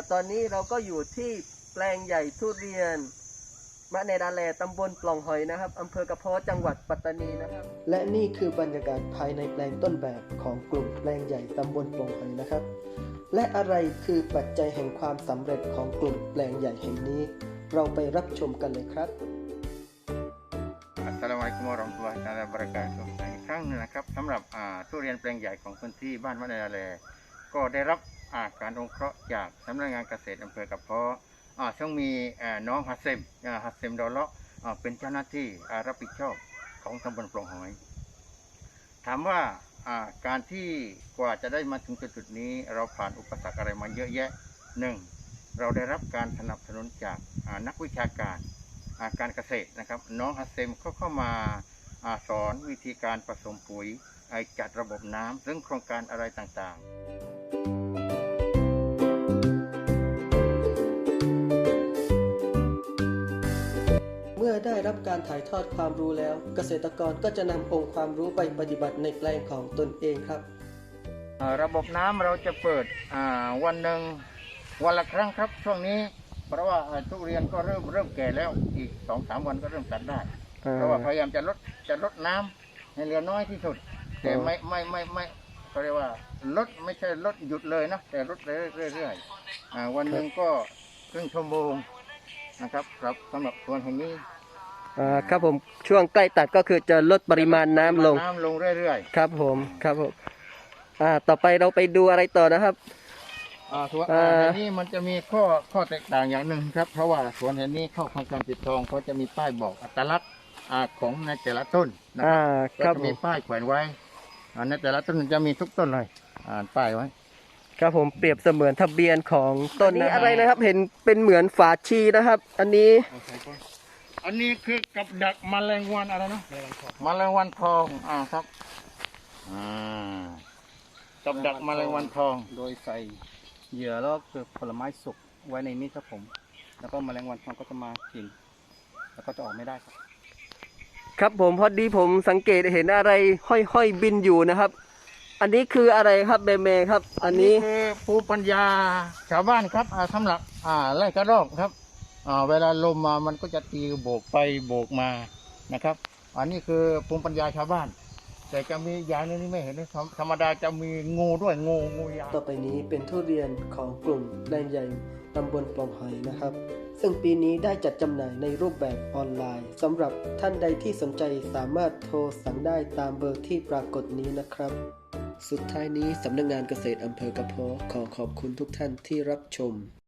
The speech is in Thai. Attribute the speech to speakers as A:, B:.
A: ตอนนี้เราก็อยู่ที่แปลงใหญ่ทุเรียนมะเนดาแลตำบลปล่องหอยนะครับอำเภอกระเพาะจังหวัดปัตตานีนะครับและนี่คือบรรยากาศภายในแปลงต้นแบบของกลุ่มแปลงใหญ่ตำบลปล่องหอยนะครับและอะไรคือปัจจัยแห่งความสำเร็จของกลุ่มแปลงใหญ่แห่งนี้เราไปรับชมกันเลยครับ
B: Assalamualaikum warahmatullahi wabarakatuh อีกครั้งนึงนะครับสำหรับทุเรียนแปลงใหญ่ของพื้นที่บ้านมะเนดาแลก็ได้รับการอนุเคราะห์จากสำนักงานเกษตรอำเภอกระเพาะซึ่งมีน้องฮัสเซมดอลเลาะเป็นเจ้าหน้าที่รับผิดชอบของตำบลปล่องหอยถามว่าการที่กว่าจะได้มาถึงจุดนี้เราผ่านอุปสรรคอะไรมาเยอะแยะหนึ่งเราได้รับการสนับสนุนจากนักวิชาการการเกษตรนะครับน้องฮัสเซมเข้ามาสอนวิธีการผสมปุ๋ยจัดระบบน้ำซึ่งโครงการอะไรต่างๆ
A: เมื่อได้รับการถ่ายทอดความรู้แล้วเกษตรกรก็จะนำองค์ความรู้ไปปฏิบัติในแปลงของตนเองครับ
B: ระบบน้ำเราจะเปิดวันหนึ่งวันละครั้งครับช่วงนี้เพราะว่าทุเรียนก็เริ่มแก่แล้วอีก 2-3 วันก็เริ่มตัดได้เพราะว่าพยายามจะลดน้ำให้เหลือน้อยที่สุดแต่ไม่เขาเรียกว่าลดไม่ใช่ลดหยุดเลยนะแต่ลดเรื่อยๆวันหนึ่งก็ครึ่งชั่วโมงนะครับสำหรับสวนแห่งนี้
A: ครับผมช่วงใกล้ตัดก็คือจะลดปริมาณน้ำลง
B: เรื่อย
A: ๆครับผมต่อไปเราไปดูอะไรต่อนะครับ
B: สวนแห่งนี้มันจะมีข้อแตกต่างอย่างหนึ่งครับเพราะว่าสวนแห่งนี้เข้าโครงการปิดทองเขาจะมีป้ายบอกอัตลักษณ์ของในแต่ละต้นนะครับก็จะมีป้ายแขวนไว้ในแต่ละต้นจะมีทุกต้นเลยป้ายไว้
A: ครับผมเปรียบเสมือนทะเบียนของต้นนี้อะไรนะครับเห็นเป็นเหมือนฝาชีนะครับ อันนี้
B: คือกับดักแมลงวันอะไรนะแมลงวันทองครับกับดักแมลงวันทอง
C: โดยใส่เหยื่อแล้วคือผลไม้สุกไว้ในนี้ครับผมแล้วก็แมลงวันทองก็จะมากินแล้วก็จะออกไม่ได้ครับ
A: ครับผมพอดีผมสังเกตเห็นอะไรห้อยบินอยู่นะครับอันนี้คืออะไรครับเบเมครับอันนี้
B: คือภูมิปัญญาชาวบ้านครับสำหรับไล่กระรอกครับเวลาลมมามันก็จะตีโบกไปโบกมานะครับอันนี้คือภูมิปัญญาชาวบ้านแต่จะมีอย่างนึงที่ไม่เห็นธรรมดาจะมีงูด้วยงูยาว
A: ต่อไปนี้เป็นทุเรียนของกลุ่มแปลงใหญ่ตำบลปล่องหอยนะครับซึ่งปีนี้ได้จัดจำหน่ายในรูปแบบออนไลน์สำหรับท่านใดที่สนใจสามารถโทรสั่งได้ตามเบอร์ที่ปรากฏนี้นะครับสุดท้ายนี้สำนักงานเกษตรอำเภอกระเพาะขอขอบคุณทุกท่านที่รับชม